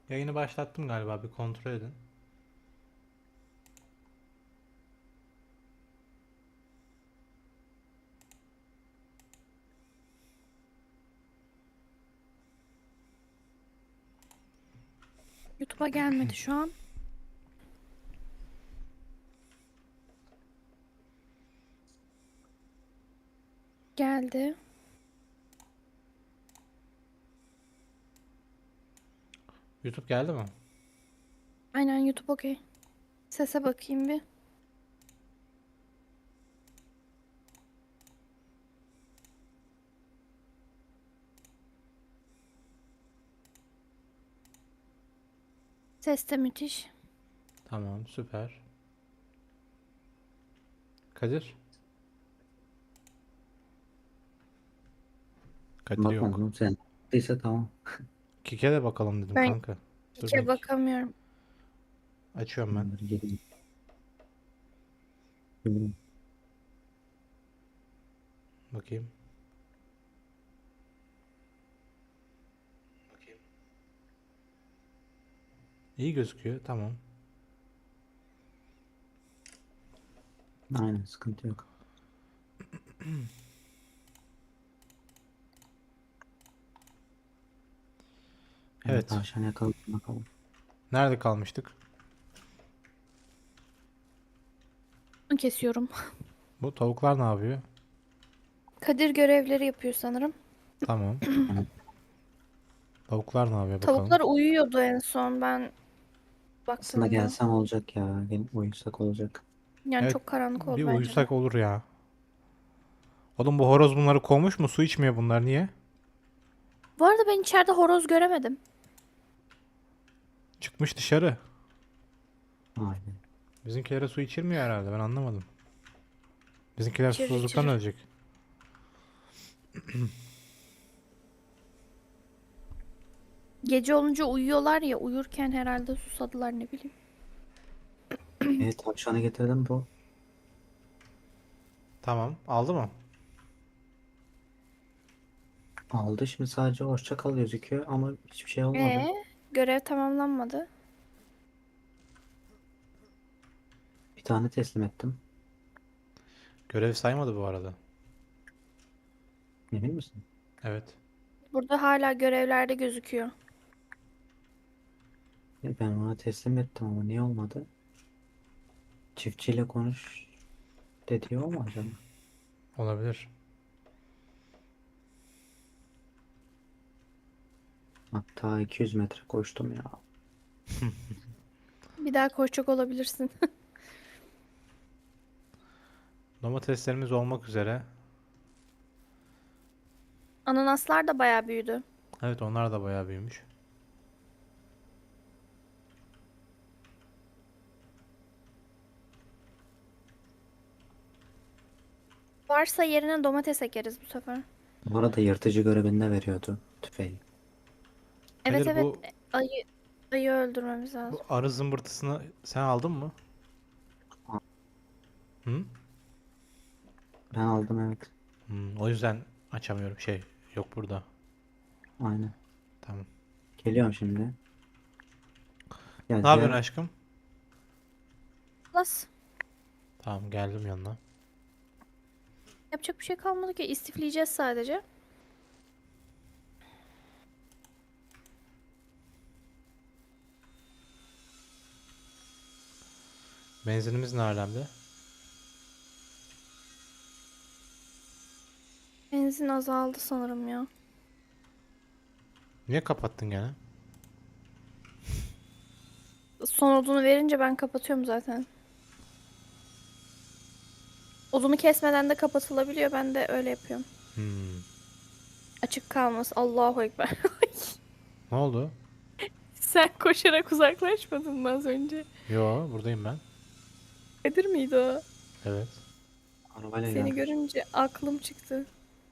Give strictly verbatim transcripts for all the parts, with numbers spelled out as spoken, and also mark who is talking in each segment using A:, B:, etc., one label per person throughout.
A: Yayını başlattım galiba, bir kontrol edin.
B: YouTube'a gelmedi şu an. Geldi.
A: YouTube geldi mi?
B: Aynen YouTube okey. Sese bakayım bir. Ses de müthiş.
A: Tamam, süper. Kadir? Kadir yok.
C: Bakmadım sen. Neyse tamam.
A: Kike de bakalım dedim
B: Ben
A: kanka. Dur
B: Kike
A: bek.
B: bakamıyorum.
A: Açıyorum ben.
C: Bunları gelin. Gelin.
A: Bakayım. Bakayım. İyi gözüküyor. Tamam.
C: Aynen sıkıntı yok. Yani
A: Evet.
C: tavşan yakaladım bakalım.
A: Nerede kalmıştık?
B: Bunu kesiyorum.
A: Bu tavuklar ne yapıyor?
B: Kadir görevleri yapıyor sanırım.
A: Tamam.
C: Yani
A: Tavuklar ne yapıyor bakalım.
B: Tavuklar uyuyordu en son ben
C: aslında
B: baktığımda.
C: gelsem olacak ya. Gel uyusak olacak.
B: Yani
A: Evet.
B: çok karanlık
A: Bir
B: oldu bence de.
A: uyusak olur ya. Oğlum bu horoz bunları kovmuş mu? Su içmiyor bunlar. Niye?
B: Bu arada ben içeride horoz göremedim.
A: Çıkmış dışarı.
C: Aynen.
A: Bizimkilere su içirmiyor herhalde. Ben anlamadım. Bizimkiler
B: İçirir
A: susuzluktan
B: içirir.
A: ölecek.
B: Gece olunca uyuyorlar ya, uyurken herhalde susadılar, ne bileyim.
C: Evet tavşanı getirdim bu.
A: Tamam. Aldı mı?
C: Aldı şimdi sadece hoşça kal gözüküyor ama hiçbir şey olmadı.
B: Ee, görev tamamlanmadı.
C: Bir tane teslim ettim.
A: Görev saymadı bu arada.
C: Emin misin?
A: Evet.
B: Burada hala görevlerde gözüküyor.
C: E, Ben ona teslim ettim ama niye olmadı? Çiftçiyle konuş dediği o mu acaba?
A: Olabilir.
C: Hatta iki yüz metre koştum ya.
B: Bir daha koşacak olabilirsin.
A: Domateslerimiz olmak üzere.
B: Ananaslar da bayağı büyüdü.
A: Evet, onlar da bayağı büyümüş.
B: Varsa yerine domates ekeriz bu sefer.
C: Bu arada yırtıcı görevinde veriyordu tüfeği.
B: Evet
A: Kadir,
B: evet,
A: bu
B: ayı ayı öldürmemiz
A: bu
B: lazım.
A: arı zımbırtısını sen aldın mı?
C: Aa,
A: Hı?
C: ben aldım evet.
A: Hmm, o yüzden açamıyorum. Şey yok burada.
C: Aynen.
A: Tamam.
C: Geliyorum şimdi. Ya
A: Ne yapıyorsun
C: diğer
A: aşkım?
B: Plus
A: Tamam, geldim yanına.
B: yapacak bir şey kalmadı ki, istifleyeceğiz sadece.
A: Benzinimiz ne alemde?
B: Benzin azaldı sanırım ya.
A: Niye kapattın gene?
B: Son odunu verince ben kapatıyorum zaten. Odunu kesmeden de kapatılabiliyor. Ben de öyle yapıyorum.
A: Hmm.
B: Açık kalması. Allahu Ekber.
A: Ne oldu?
B: Sen koşarak uzaklaşmadın mı az önce?
A: Yo, buradayım ben.
B: Kadir miydi o?
A: Evet.
C: arabayla
B: Seni
C: geldim.
B: görünce aklım çıktı.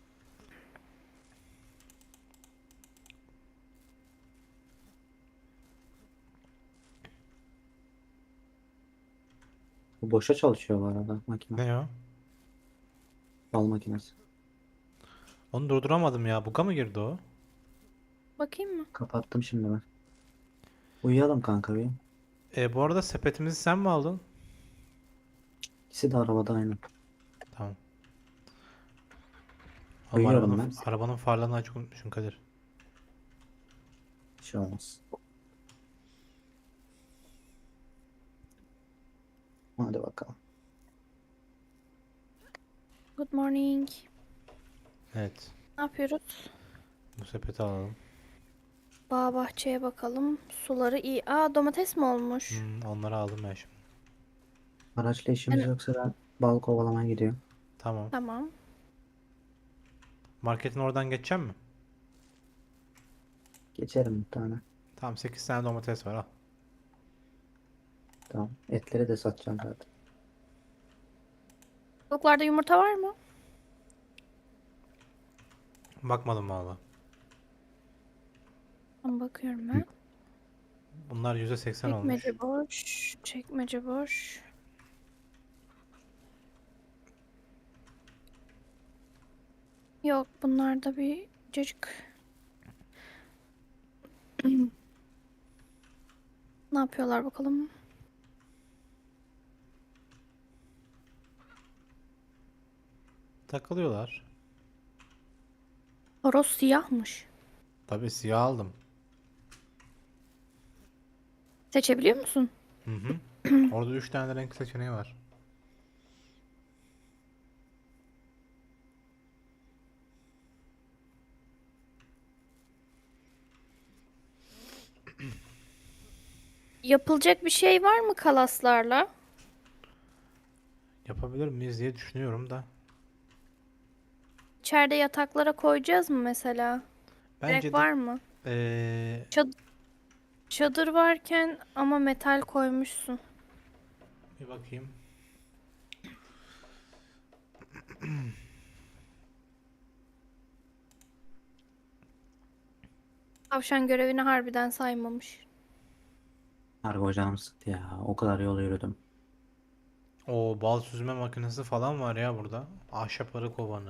C: Bu boşa çalışıyor bu arada makine.
A: Ne o?
C: Bal makinesi.
A: Onu durduramadım ya. Buga mı girdi o?
B: Bakayım mı?
C: Kapattım şimdi ben. Uyuyalım kanka bir.
A: E, bu arada sepetimizi sen mi aldın?
C: İkisi de arabada aynı.
A: Tamam. Ama
C: Uyuyorum
A: arabanın,
C: ben.
A: arabanın farlarını açık unutmuşsun Kadir.
C: Bir şey olmaz. Hadi bakalım.
B: Good morning.
A: Evet.
B: Ne yapıyoruz?
A: Bu sepeti alalım.
B: Bağ bahçeye bakalım. Suları iyi. Aa, domates mi olmuş?
A: Hmm, onları aldım ben şimdi.
C: Araçla işimiz
B: Ben-
C: yoksa ben bal kovalamaya gidiyorum.
A: Tamam.
B: Tamam.
A: Marketin oradan geçeceğim mi?
C: Geçerim bir tane.
A: Tamam, sekiz tane domates var, al.
C: Tamam. Etleri de satacağım zaten.
B: Tavuklarda yumurta var mı?
A: Bakmadım valla.
B: Tamam, bakıyorum
C: Hı.
B: ben.
A: Bunlar yüzde seksen olmuş.
B: Çekmece boş. Çekmece boş. Yok, bunlarda bir cacık. Ne yapıyorlar bakalım?
A: Takılıyorlar.
B: Horoz siyahmış.
A: Tabii siyah aldım.
B: Seçebiliyor musun?
A: Hı hı. Orada üç tane renk seçeneği var.
B: Yapılacak bir şey var mı kalaslarla?
A: Yapabilir miyiz diye düşünüyorum da.
B: İçeride yataklara koyacağız mı mesela? Gerek
A: Bence de
B: var mı?
A: eee,
B: Çad- çadır varken ama metal koymuşsun.
A: bir bakayım.
B: Tavşan görevini harbiden saymamış.
C: Harbi canım sıktı ya. O kadar yol yürüdüm.
A: O bal süzme makinesi falan var ya burada. Ahşap arı kovanı.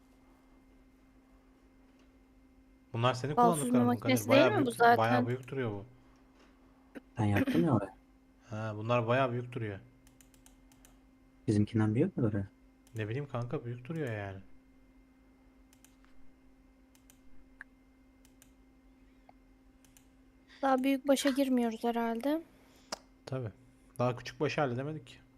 A: Bunlar senin
B: Bal süzme
A: kullandıkların mı Kadir?
B: makinesi değil
A: Bayağı
B: mi bu
A: büyük, bayağı
B: zaten?
A: büyük duruyor bu.
C: Ben yaptım ya oraya.
A: Ha, bunlar bayağı büyük duruyor.
C: Bizimkinden büyük mü böyle?
A: Ne bileyim kanka, büyük duruyor yani.
B: Daha büyük başa girmiyoruz herhalde.
A: Tabii. Daha küçük başı halledemedik ki.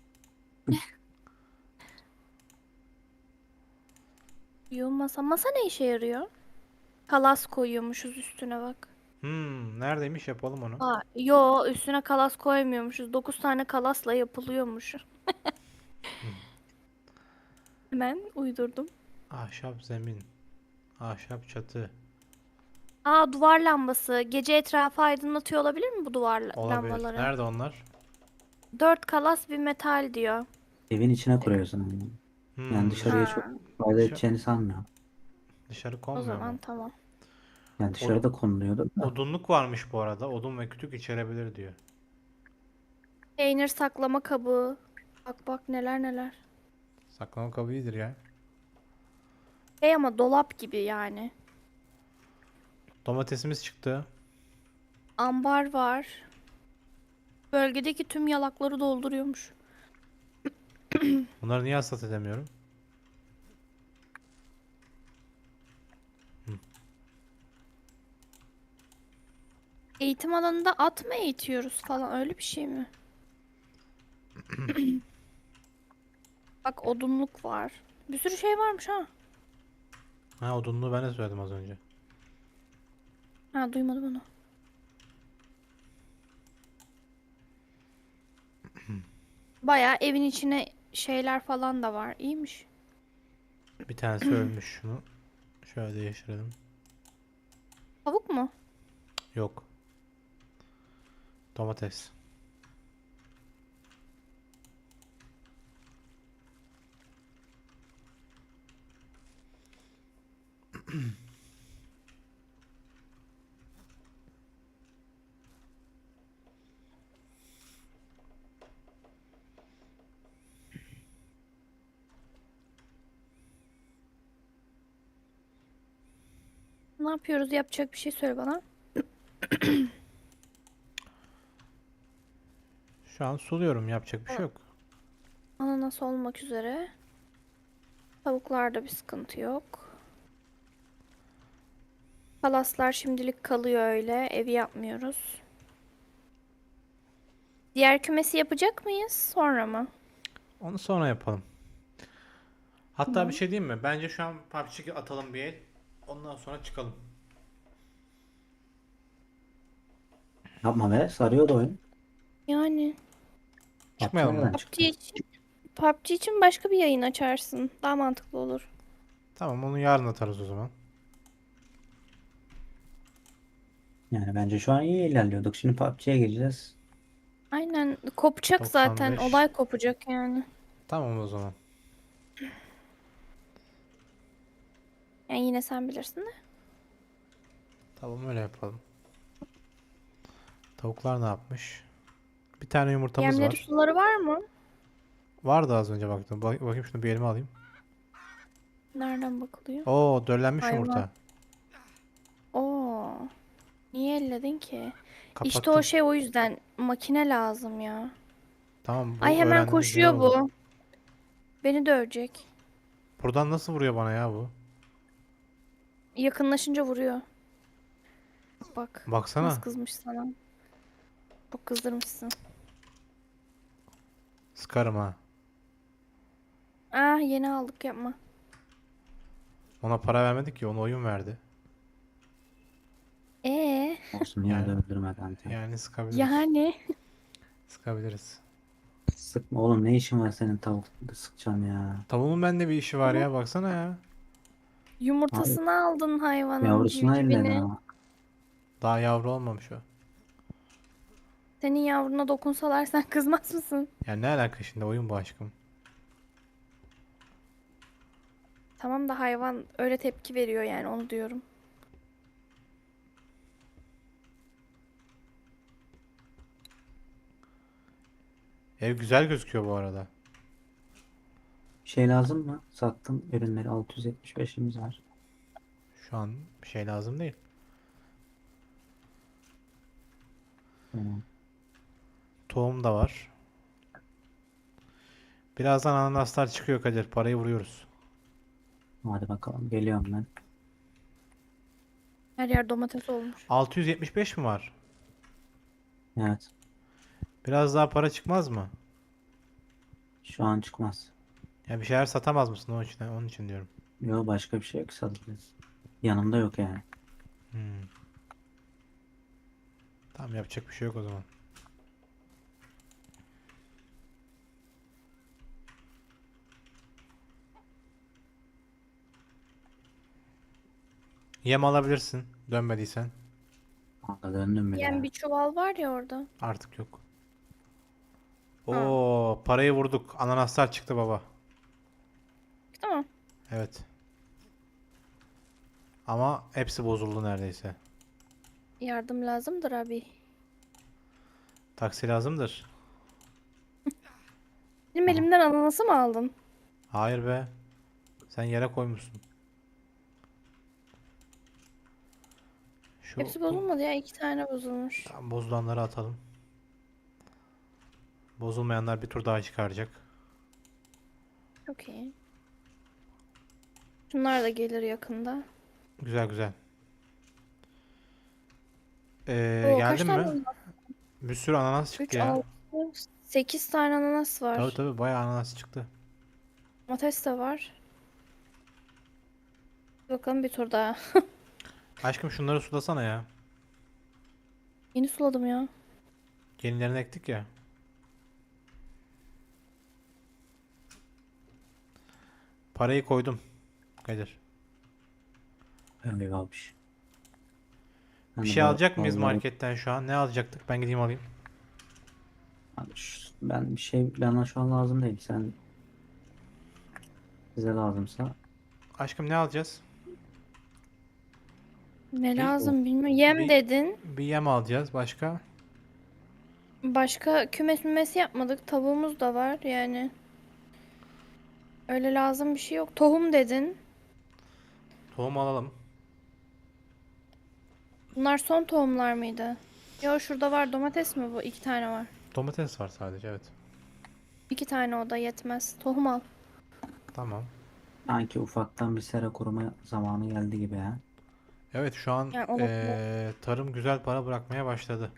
B: Yo, masa. Masa ne işe yarıyor? Kalas koyuyormuşuz üstüne bak.
A: Hmm, neredeymiş, yapalım onu.
B: Aa, yo, üstüne kalas koymuyormuşuz. Dokuz tane kalasla yapılıyormuş. Hemen uydurdum.
A: Ahşap zemin. Ahşap çatı.
B: Aa, duvar lambası. Gece etrafı aydınlatıyor olabilir mi bu duvar la-
A: Olabilir.
B: lambaları?
A: Nerede onlar?
B: Dört kalas bir metal diyor.
C: Evin içine kuruyorsun onu. Yani
A: Hmm,
C: dışarıya
A: dış-
C: çok
B: Ha,
C: fayda
A: dışa-
C: edeceğini sanmıyorum.
A: dışarı
B: o
A: konmuyor
B: zaman
A: mu?
B: tamam.
C: Yani
A: Od-
C: dışarıda konuluyordu da.
A: odunluk varmış bu arada. Odun ve kütük içerebilir diyor.
B: Peynir saklama kabı. Bak bak, neler neler.
A: Saklama kabı iyidir ya.
B: Şey, ama dolap gibi yani.
A: Domatesimiz çıktı.
B: Ambar var. Bölgedeki tüm yalakları dolduruyormuş.
A: Bunları niye hasat edemiyorum?
B: Eğitim alanında at mı eğitiyoruz falan, öyle bir şey mi? Bak, odunluk var. Bir sürü şey varmış ha.
A: Ha, odunluğu ben de söyledim az önce.
B: Ha, duymadım onu. Bayağı evin içine şeyler falan da var. İyiymiş.
A: Bir tanesi ölmüş, şunu. Şöyle değiştirelim.
B: Tavuk mu?
A: Yok. Domates.
B: Ne yapıyoruz? Yapacak bir şey söyle bana.
A: Şu an suluyorum. Yapacak bir şey yok.
B: Ananas olmak üzere. Tavuklarda bir sıkıntı yok. Palaslar şimdilik kalıyor öyle. Evi yapmıyoruz. Diğer kümesi yapacak mıyız? Sonra mı?
A: Onu sonra yapalım. Hatta bir
B: Tamam.
A: şey diyeyim mi? Bence şu an P U B G atalım bir el. Ondan sonra çıkalım.
C: Yapma be, sarıyordu oyun.
B: Yani
C: P U B G
A: Çıkmayalım mı?
C: nereden
B: P U B G
C: çıktı?
B: için, P U B G için başka bir yayın açarsın. Daha mantıklı olur.
A: Tamam, onu yarın atarız o zaman.
C: Yani bence şu an iyi ilerliyorduk. Şimdi P U B G'ye gireceğiz.
B: Aynen kopacak zaten.
A: doksan beş.
B: Olay kopacak yani.
A: Tamam o zaman.
B: Yani yine sen bilirsin de.
A: Tamam, öyle yapalım. Tavuklar ne yapmış? Bir tane yumurtamız
B: Yemleri
A: var.
B: suları var mı?
A: Vardı az önce baktım. Bak- bakayım şunu bir elime alayım.
B: Nereden bakılıyor?
A: Oo, döllenmiş
B: Hayvan.
A: yumurta.
B: Oo. Niye elledin ki? İşte
A: Kapattım.
B: o şey o yüzden makine lazım ya.
A: Tamam, bu
B: Ay hemen
A: öğrendiğimiz iyi
B: koşuyor
A: oldu.
B: bu. Beni dövecek.
A: Buradan nasıl vuruyor bana ya bu?
B: Yakınlaşınca vuruyor. Bak nasıl
A: Baksana.
B: kızmış sana. Çok kızdırmışsın.
A: Sıkarım ha.
B: Ah yeni aldık yapma.
A: Ona para vermedik ki, ona oyun verdi.
B: Ee
C: Olsun, yine de
A: Yani
C: öldürme kanka.
A: yani sıkabiliriz.
B: yani
A: Sıkabiliriz.
C: Sıkma oğlum, ne işin var senin tavuk sıkacaksın ya.
A: Tavuğun bende bir işi var ya, baksana ya.
C: Abi
B: yumurtasını aldın hayvanın
C: yavrusuna elledi
B: civcivini.
C: ama.
A: Daha yavru olmamış o.
B: Senin yavruna dokunsalar sen kızmaz mısın?
A: Yani ne alaka şimdi, oyun bu aşkım.
B: Tamam da hayvan öyle tepki veriyor yani onu diyorum.
A: Ev güzel gözüküyor bu arada.
C: Bir şey lazım mı? Sattım ürünleri, altı yüz yetmiş beşimiz var.
A: Şu an bir şey lazım değil.
C: Tamam.
A: Tohum da var. Birazdan ananaslar çıkıyor Kadir. Parayı vuruyoruz.
C: Hadi bakalım, geliyorum ben.
B: Her yer domates olmuş.
A: altı yüz yetmiş beş mi var?
C: Evet,
A: Biraz daha para çıkmaz mı?
C: şu an çıkmaz.
A: Ya bir şeyler satamaz mısın onun için, onun için diyorum.
C: Yok, başka bir şey yok satacağız. Yanımda yok yani.
A: Hmm. Tamam, yapacak bir şey yok o zaman. Yem alabilirsin dönmediysen.
C: Kanka döndüm bile
B: Yani
C: ya.
B: bir çuval var ya orada.
A: Artık yok.
B: Ha.
A: Oo, parayı vurduk. Ananaslar çıktı baba.
B: Tamam.
A: Evet. Ama hepsi bozuldu neredeyse.
B: Yardım lazımdır abi.
A: Taksi lazımdır.
B: Benim
C: Aha.
B: elimden ananası mı aldın?
A: Hayır be. Sen yere koymuşsun. Şu
B: Hepsi
A: bu,
B: bozulmadı ya. İki tane bozulmuş.
A: tam bozulanları atalım. Bozulmayanlar bir tur daha çıkaracak.
B: Çok iyi. Şunlar da gelir yakında.
A: Güzel güzel. Ee,
B: Oo kaç
A: geldin
B: tane
A: mi?
B: ananas?
A: Bir sürü ananas çıktı
B: üç,
A: ya.
B: altı, sekiz tane ananas
A: Tabii
B: var.
A: tabii, bayağı ananas çıktı.
B: Domates de var. Bakalım bir tur daha.
A: Aşkım şunları sulasana ya.
B: Yeni suladım ya.
A: Yenilerini ektik ya. Parayı koydum. Kadir.
C: Öyle kalmış. Ben
A: Bir
C: de
A: şey
C: bu
A: alacak mıyız
C: vallahi
A: marketten şu an? Ne alacaktık? Ben gideyim alayım.
C: abi şu- ben bir şey bana şu an lazım değil. Sen size lazımsa
A: Aşkım ne alacağız?
B: Ne
A: Bir,
B: lazım bilmiyorum. Yem
A: bir,
B: dedin.
A: bir yem alacağız. Başka?
B: Başka kümes mümesi yapmadık. Tavuğumuz da var yani. Öyle lazım bir şey yok. Tohum dedin.
A: Tohum alalım.
B: Bunlar son tohumlar mıydı? Yo şurada var domates mi bu? İki tane var.
A: Domates var sadece, evet.
B: İki tane oda yetmez. Tohum al.
A: Tamam.
C: Sanki ufaktan bir sera kurma zamanı geldi gibi ha.
A: Evet, şu an
B: Yani olabilir.
A: eee, tarım güzel para bırakmaya başladı.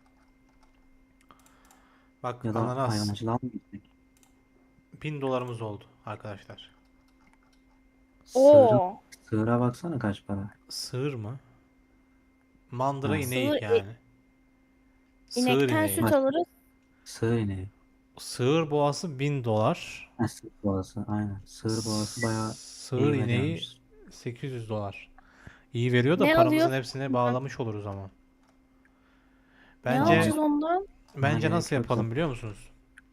A: Bak,
C: Ya da
A: ananas
C: hayvancılığa mı gitmek?
A: bin dolarımız oldu arkadaşlar.
C: Sığırın,
B: Oo.
C: sığıra baksana kaç para.
A: Sığır mı? Mandıra
C: Ha,
A: ineği
B: Sığır i-
A: yani. Sığır
B: inekten
A: ineği.
B: süt
C: baş,
B: alırız.
C: sığır ineği.
A: Sığır boğası bin dolar.
C: Ha, sığır boğası aynen. Sığır boğası bayağı
A: Sığır
C: iyi
A: ineği
C: veriyormuş.
A: sekiz yüz dolar. İyi veriyor da
B: Ne
A: paramızın
B: alıyoruz?
A: hepsini bağlamış oluruz ama.
B: Ne
A: Bence
B: alacağız ondan?
C: Ona
A: bence nasıl
C: gerek yok
A: yapalım
C: zaten.
A: biliyor musunuz?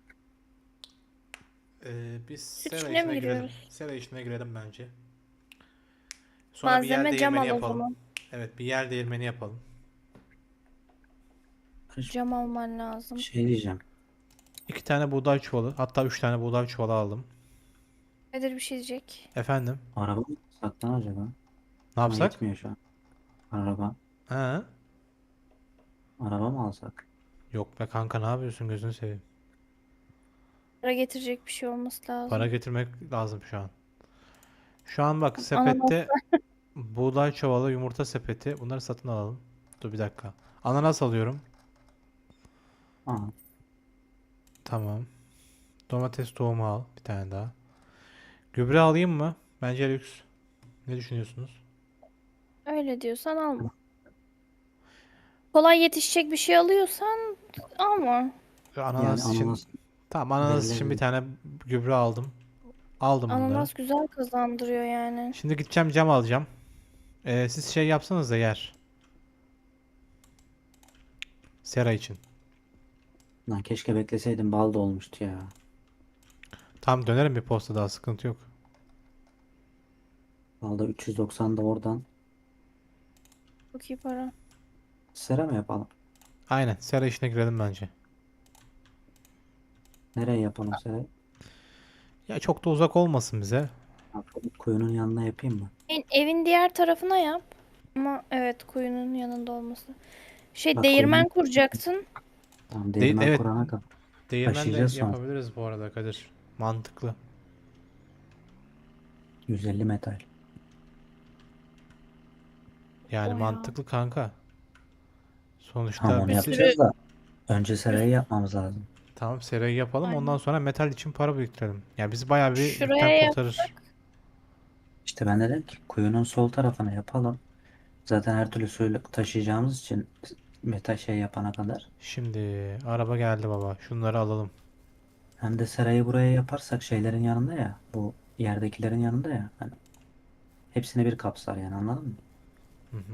A: Ee, biz
B: Süt
A: sera
B: işine mi
A: işine girelim.
B: giriyoruz?
A: Sera işine girelim bence. Sonra bir yer
B: Malzeme cam
A: değirmeni
B: al o
A: yapalım.
B: zaman.
A: Evet, bir yer değirmeni yapalım.
B: Cam alman lazım.
C: Şey diyeceğim.
A: İki tane buğday çuvalı, hatta üç tane buğday çuvalı aldım.
B: Nedir bir şey diyecek?
A: Efendim,
C: Araba mı alsak lan acaba?
A: ne
C: Ama
A: yapsak?
C: yetmiyor şu an. Araba.
A: Ha?
C: Araba mı alsak?
A: Yok be kanka, ne yapıyorsun, gözünü seveyim.
B: Para getirecek bir şey olması
A: Para
B: lazım.
A: getirmek lazım şu an. Şu an bak,
B: Ananas.
A: sepette buğday çuvalı, yumurta sepeti, bunları satın alalım. Dur bir dakika. Ananas alıyorum.
C: Aa,
A: Tamam. Domates tohumu al bir tane daha. Gübre alayım mı? Bence lüks. Ne düşünüyorsunuz?
B: Öyle diyorsan alma. Kolay yetişecek bir şey alıyorsan alma.
C: yani
A: Ananas için
C: ananas
A: tamam, ananas için bir
C: verilebilir.
A: tane gübre aldım. Aldım bunları.
B: Ananas güzel kazandırıyor yani.
A: Şimdi gideceğim, cam alacağım. Ee, siz şey yapsanız da yer. Sera için.
C: Lan keşke bekleseydim bal da olmuştu ya.
A: Tam dönerim bir posta, daha sıkıntı yok.
C: Balda üç yüz doksan da oradan.
B: Çok iyi para.
C: Sera mı yapalım?
A: Aynen, sera işine girelim bence.
C: Nereye yapalım sera?
A: Ya çok da uzak olmasın bize.
C: Ha, kuyunun yanına yapayım mı?
B: En- Evin diğer tarafına yap. Ama evet kuyunun yanında olması. Şey
C: Bak kuyunun
B: değirmen kuracaksın.
C: tamam,
A: De
C: değirmen
A: evet,
C: kurana kadar
A: değirmenle
C: taşıyacağız sonra.
A: yapabiliriz bu arada Kadir. Mantıklı.
C: yüz elli metal.
A: Yani
B: O ya.
A: mantıklı kanka.
C: Tamam,
A: Sonuçta
C: onu
B: Bir
A: biz
B: sürü
C: yapacağız da önce
B: bir-
C: serayı yapmamız lazım.
A: tamam, serayı yapalım, ondan
B: Aynen.
A: sonra metal için para biriktirelim. Ya bizi bayağı bir yükten
B: Şuraya
A: kurtarır.
B: yapsak.
C: İşte ben dedim ki kuyunun sol tarafına yapalım. Zaten her türlü suyu taşıyacağımız için metal şey yapana kadar.
A: Şimdi araba geldi baba. Şunları alalım.
C: Hem de serayı buraya yaparsak şeylerin yanında ya. Bu yerdekilerin yanında ya. Hani hepsini bir kapsar yani, anladın mı?
A: Hı hı.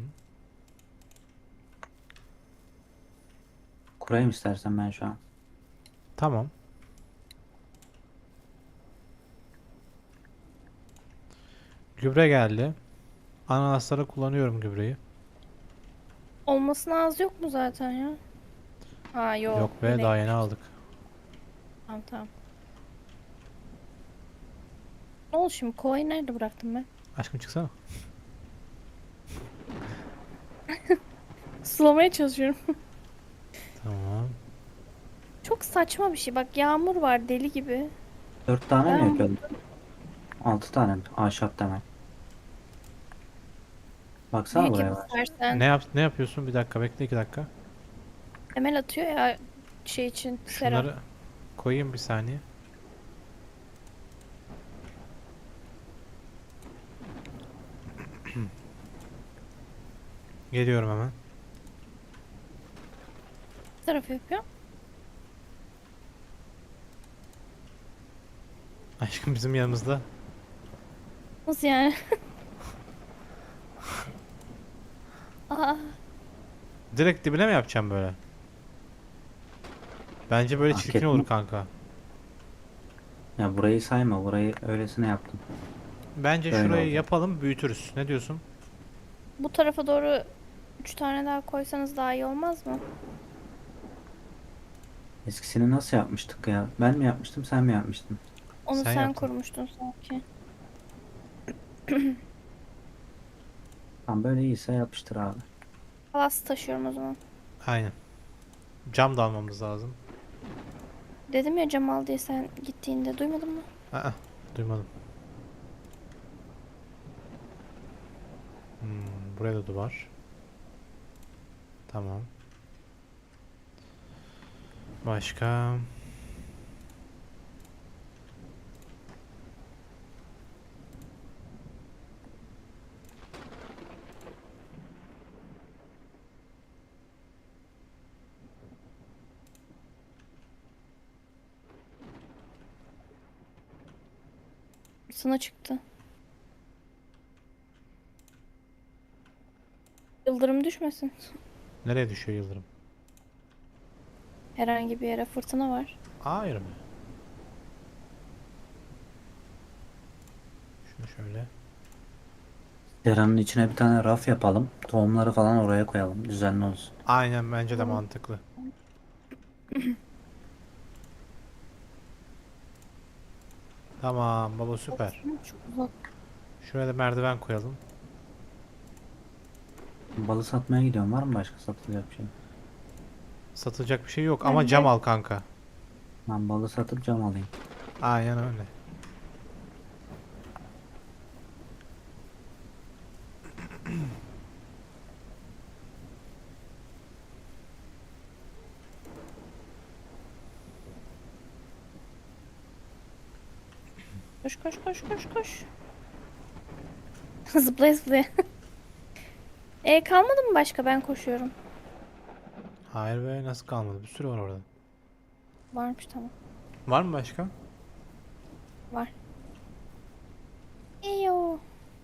C: Kurayım istersen ben şu an.
A: Tamam. Gübre geldi. Ananaslara kullanıyorum gübreyi.
B: Olmasına az yok mu zaten ya? Ha yok.
A: Yok be,
B: Yine
A: daha yeni
B: ekmiş.
A: aldık.
B: Tamam tamam. Ne oldu şimdi? Kovayı nerede bıraktım ben?
A: Aşkım çıksana.
B: Sulamaya çalışıyorum.
A: Tamam.
B: Çok saçma bir şey. Bak yağmur var deli gibi.
C: Dört tane mi
B: Yağmur.
C: yapıyorduk? Altı tane mi? Ahşap temel. Baksana
B: Büyük yap
C: buraya var.
B: istersen.
A: Ne yap ne yapıyorsun? Bir dakika bekle, iki dakika.
B: Temel atıyor ya şey için sera.
A: Şunları koyayım bir saniye. Geliyorum hemen.
B: Ne taraf yapıyor?
A: Aşkım bizim yanımızda.
B: Nasıl yani? Aa,
A: Direkt dibine mi yapacağım böyle? Bence böyle
C: Fark
A: çirkin
C: etme.
A: olur kanka.
C: Ya burayı sayma. Burayı öylesine yaptım.
A: Bence
C: Böyle
A: şurayı
C: oldu.
A: yapalım, büyütürüz. Ne diyorsun?
B: bu tarafa doğru üç tane daha koysanız daha iyi olmaz mı?
C: Eskisini nasıl yapmıştık ya? Ben mi yapmıştım, sen mi yapmıştın?
B: Onu
A: Sen
B: sen
A: yaptın.
B: kurmuştun sanki.
C: Tam böyle iyiyse yapıştır abi.
B: Palas taşıyorum o zaman.
A: Aynen. Cam da almamız lazım.
B: Dedim ya cam al diye sen gittiğinde duymadın mı?
A: Aa, duymadım. Hmm, buraya da duvar. Tamam. Başka?
B: Sana çıktı. Yıldırım düşmesin.
A: Nereye düşüyor yıldırım?
B: Herhangi bir yere fırtına var.
A: Hayır mı? Şunu şöyle.
C: Deranın içine bir tane raf yapalım. Tohumları falan oraya koyalım. Düzenli olsun.
A: Aynen bence de
B: Tamam.
A: mantıklı. Tamam baba süper.
B: Çok uzak.
A: Şuraya da merdiven koyalım.
C: Balı satmaya gidiyorum. Var mı başka satılacak bir şey?
A: Satılacak bir şey yok ama
B: Ben
A: cam
B: de
A: al kanka.
C: Ben balı satıp cam alayım.
A: Aynen öyle.
B: koş koş koş koş koş. Zıplaya zıplaya. E kalmadı mı başka? Ben koşuyorum.
A: Hayır be nasıl kalmadı? Bir sürü var orada.
B: Varmış tamam.
A: Var mı başka?
B: Var. Eyo.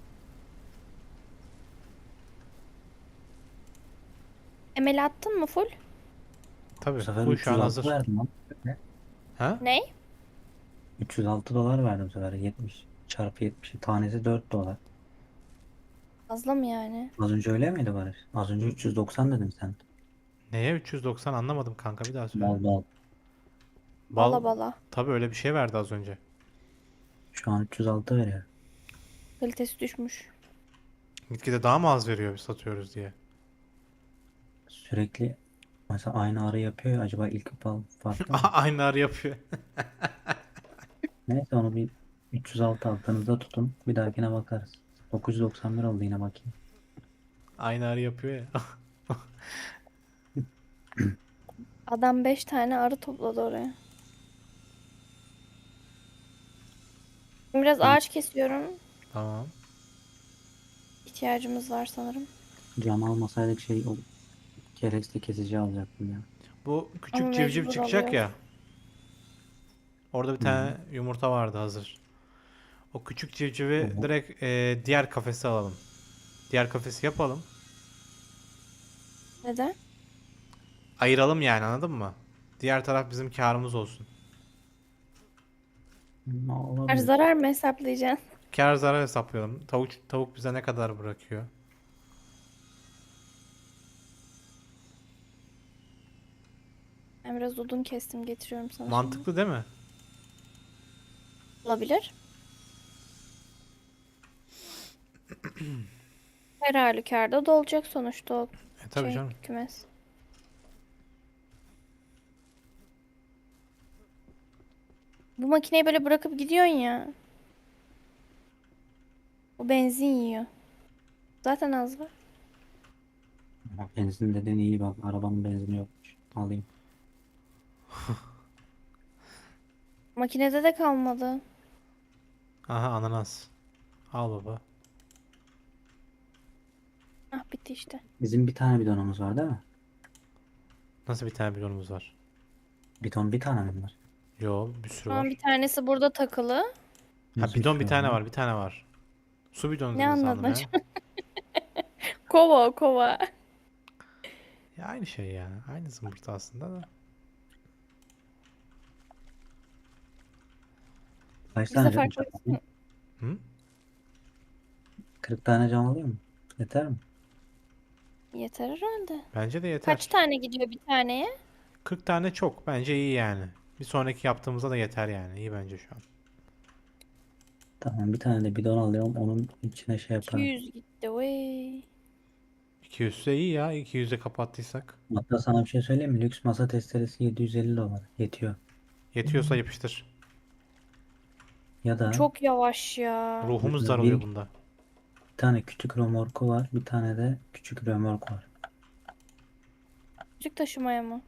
B: Emel attın mı full?
A: Tabii.
C: Bu sefer
A: Bu şu an
C: üç yüz altı
A: hazır.
C: verdim lan.
A: Ha?
B: Ne?
C: üç yüz altı dolar verdim bu sefer. yetmiş çarpı yetmiş. Tanesi dört dolar.
B: Fazla mı yani?
C: Az önce öyle miydi Barış? Az önce üç yüz doksan dedin sen.
A: Neye üç yüz doksan anlamadım kanka bir daha söyle.
C: Bal bal.
A: Bal
B: Bala bala.
A: tabii öyle bir şey verdi az önce.
C: Şu an üç yüz altı veriyor.
B: Kalitesi düşmüş.
A: Gitgide daha mı az veriyor biz satıyoruz diye.
C: Sürekli mesela aynı arı yapıyor ya. Acaba ilk bal farklı mı?
A: Aynı arı yapıyor.
C: Neyse onu bir üç yüz altı altınızda tutun. Bir dahakine bakarız. dokuz yüz doksan bir oldu yine bakayım.
A: Aynı arı yapıyor ya.
B: Adam beş tane arı topladı oraya. Şimdi biraz
C: Ben
B: ağaç kesiyorum.
A: Tamam.
B: İhtiyacımız var sanırım.
C: cam almasaydık şey o kereste kesici alacaktım ya.
A: Bu
B: Ama
A: küçük civciv
B: mecbur
A: çıkacak
B: alıyoruz.
A: ya. Orada bir
C: Hı hı.
A: tane yumurta vardı hazır. O küçük civcivi
C: Tamam.
A: direkt e, diğer kafese alalım. Diğer kafesi yapalım.
B: Neden?
A: Ayıralım yani anladın mı? Diğer taraf bizim karımız olsun.
C: Ne
B: Her
C: olabilir?
B: zarar mı hesaplayacaksın?
A: Kar zarar hesaplayalım. Tavuk tavuk bize ne kadar bırakıyor?
B: Ben biraz odun kestim getiriyorum sana şimdi.
A: Mantıklı değil mi?
B: Olabilir. Her halükarda dolacak sonuçta o
A: E tabii
B: şey
A: canım.
B: kümes. Bu makineyi böyle bırakıp gidiyorsun ya. O benzin yiyor. Zaten az var.
C: Ama benzin dediğin iyi bak. Arabanın benzini yokmuş. Alayım.
B: Makinede de kalmadı.
A: Aha ananas. Al baba.
B: Ah bitti işte.
C: Bizim bir tane bidonumuz var değil mi?
A: Nasıl bir tane bidonumuz var?
C: Bidon bir tane mi var?
A: Yo bir sürü
B: Şu an bir
A: var.
B: tanesi burada takılı.
A: Ha
C: Nasıl bir
A: bidon bir
C: sürü
A: tane
C: var?
A: var bir tane var. Su bidonu
B: Ne
A: dedin
B: anladın
A: sandım ya.
B: acaba? Kova o kova.
A: Ya aynı şey ya. Aynı zımbırtı aslında da.
C: Kaç
B: Biz de
C: tane cam
B: farklı.
C: alayım?
A: Hı?
C: kırk tane cam alayım mı? Yeter mi?
B: Yeter herhalde.
A: Bence de
B: Kaç
A: yeter.
B: tane gidiyor bir taneye?
A: kırk tane çok. Bence iyi yani. Bir sonraki yaptığımızda da yeter yani. İyi bence şu an.
C: Tamam bir tane de bidon alıyorum. Onun içine şey yaparım.
B: iki yüz gitti. Vay.
A: iki yüz ise iyi ya. iki yüze kapattıysak.
C: Hatta sana bir şey söyleyeyim mi? Lüks masa testeresi yedi yüz elli dolar. Yetiyor.
A: Yetiyorsa yapıştır.
C: Ya da
B: Çok yavaş ya.
A: Ruhumuz
C: bir,
A: daralıyor
C: bir
A: bunda.
C: tane küçük römorku var. Bir tane de küçük römork var.
B: Küçük taşımaya mı?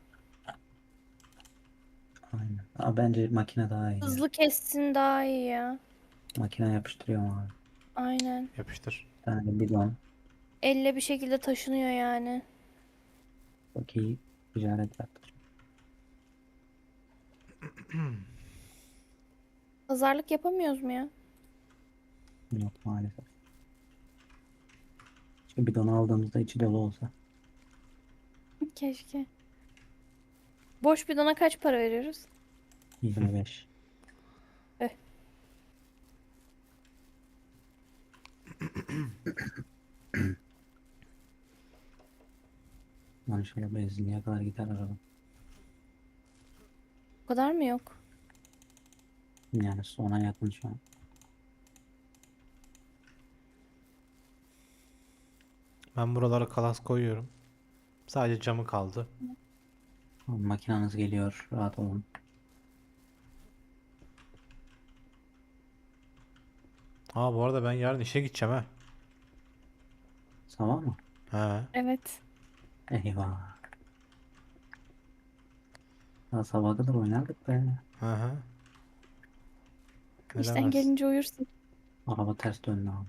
C: Aynen. Ama bence makine daha iyi ya.
B: Hızlı kessin daha iyi ya.
C: Makine yapıştırıyor abi.
B: Aynen.
A: Yapıştır.
C: Bir tane de bidon.
B: Elle bir şekilde taşınıyor yani.
C: Çok iyi ticaret yaptı.
B: Pazarlık yapamıyoruz mu ya?
C: Yok maalesef. Şu bidonu aldığımızda içi dolu olsa.
B: Keşke. Boş bidona kaç para veriyoruz?
C: yirmi beş.
B: Eh.
C: Yani şöyle benzinliğe kadar gider araba.
B: O kadar mı yok?
C: Yani sona yakın şu an.
A: Ben buralara kalas koyuyorum. Sadece camı kaldı.
C: Makinanız geliyor. Rahat olun.
A: Aa bu arada ben yarın işe gideceğim ha.
C: Sabah mı?
A: He.
B: Evet.
C: Eyvah. Daha sabaha kadar oynardık be.
A: Hı hı. Ne
B: İşten
A: demez.
B: gelince uyursun.
C: Araba ters döndü abi.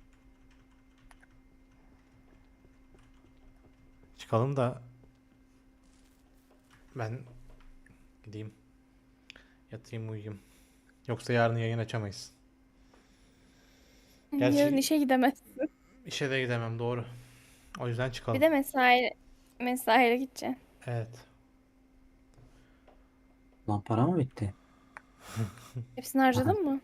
A: Çıkalım da ben gideyim. Yatayım uyuyayım. Yoksa yarın yayın açamayız. Gerçi-
B: Yarın işe gidemez.
A: İşe de gidemem doğru. O yüzden
B: Bir
A: çıkalım.
B: de mesai mesaiye gideceksin.
A: Evet.
C: Lan para mı bitti?
B: Hepsini harcadın mı?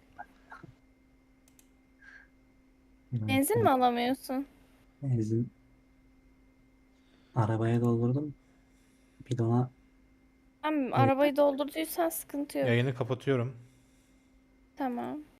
B: Benzin mi alamıyorsun?
C: Benzin arabaya doldurdum. Bidona
B: Tamam,
C: Evet.
B: arabayı doldurduysan sıkıntı yok.
A: Yayını kapatıyorum.
B: Tamam.